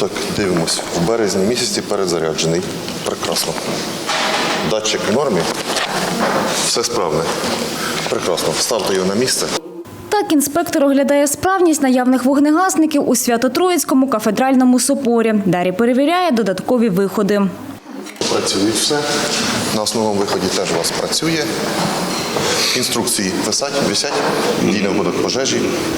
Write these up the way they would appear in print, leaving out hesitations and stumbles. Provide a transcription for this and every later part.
Так, дивимось. В березні місяці перезаряджений. Прекрасно. Датчик в нормі. Все справне. Прекрасно. Вставте його на місце. Так інспектор оглядає справність наявних вогнегасників у Свято-Троїцькому кафедральному соборі. Далі перевіряє додаткові виходи. Працюють все. На основному виході теж у вас працює. Інструкції висять, дійний випадок пожежі.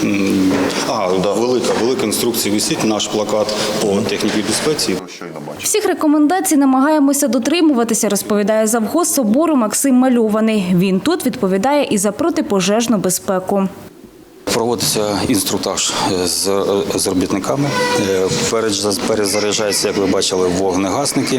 Велика інструкція висить, наш плакат по техніці безпеці. Всіх рекомендацій намагаємося дотримуватися, розповідає завгоз собору Максим Мальований. Він тут відповідає і за протипожежну безпеку. Проводиться інструктаж з робітниками. Перезаряджаються, як ви бачили, вогнегасники.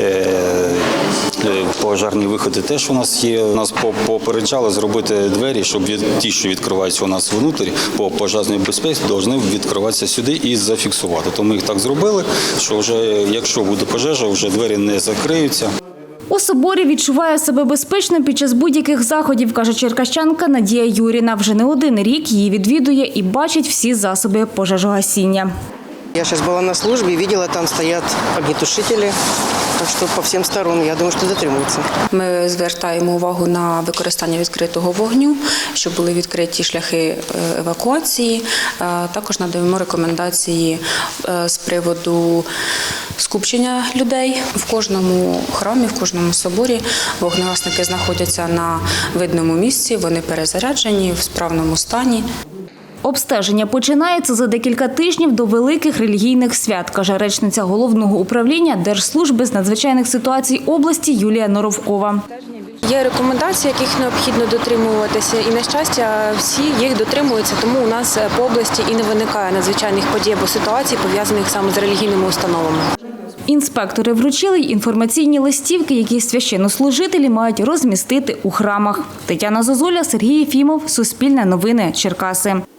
Пожежні виходи теж у нас є. Нас попереджали зробити двері, щоб ті, що відкриваються у нас внутрі, по пожежній безпеці, повинні відкриватися сюди і зафіксувати. То ми їх так зробили, що вже, якщо буде пожежа, вже двері не закриються. У соборі відчуває себе безпечно під час будь-яких заходів, каже черкащанка Надія Юріна. Вже не один рік її відвідує і бачить всі засоби пожежогасіння. Я сейчас была на службе, видела, там стоят огнетушители, так что по всем сторонам, я думаю, что дотримуються. Ми звертаємо увагу на використання відкритого вогню, щоб були відкриті шляхи евакуації. Також надаємо рекомендації з приводу скупчення людей. В кожному храмі, в кожному соборі вогнегасники знаходяться на видному місці, вони перезаряджені, в справному стані. Обстеження починається за декілька тижнів до великих релігійних свят, каже речниця Головного управління Держслужби з надзвичайних ситуацій області Юлія Норовкова. Є рекомендації, яких необхідно дотримуватися, і, на щастя, всі їх дотримуються, тому у нас по області і не виникає надзвичайних подій або ситуацій, пов'язаних саме з релігійними установами. Інспектори вручили й інформаційні листівки, які священнослужителі мають розмістити у храмах. Тетяна Зозуля, Сергій Єфімов, Суспільне новини, Черкаси.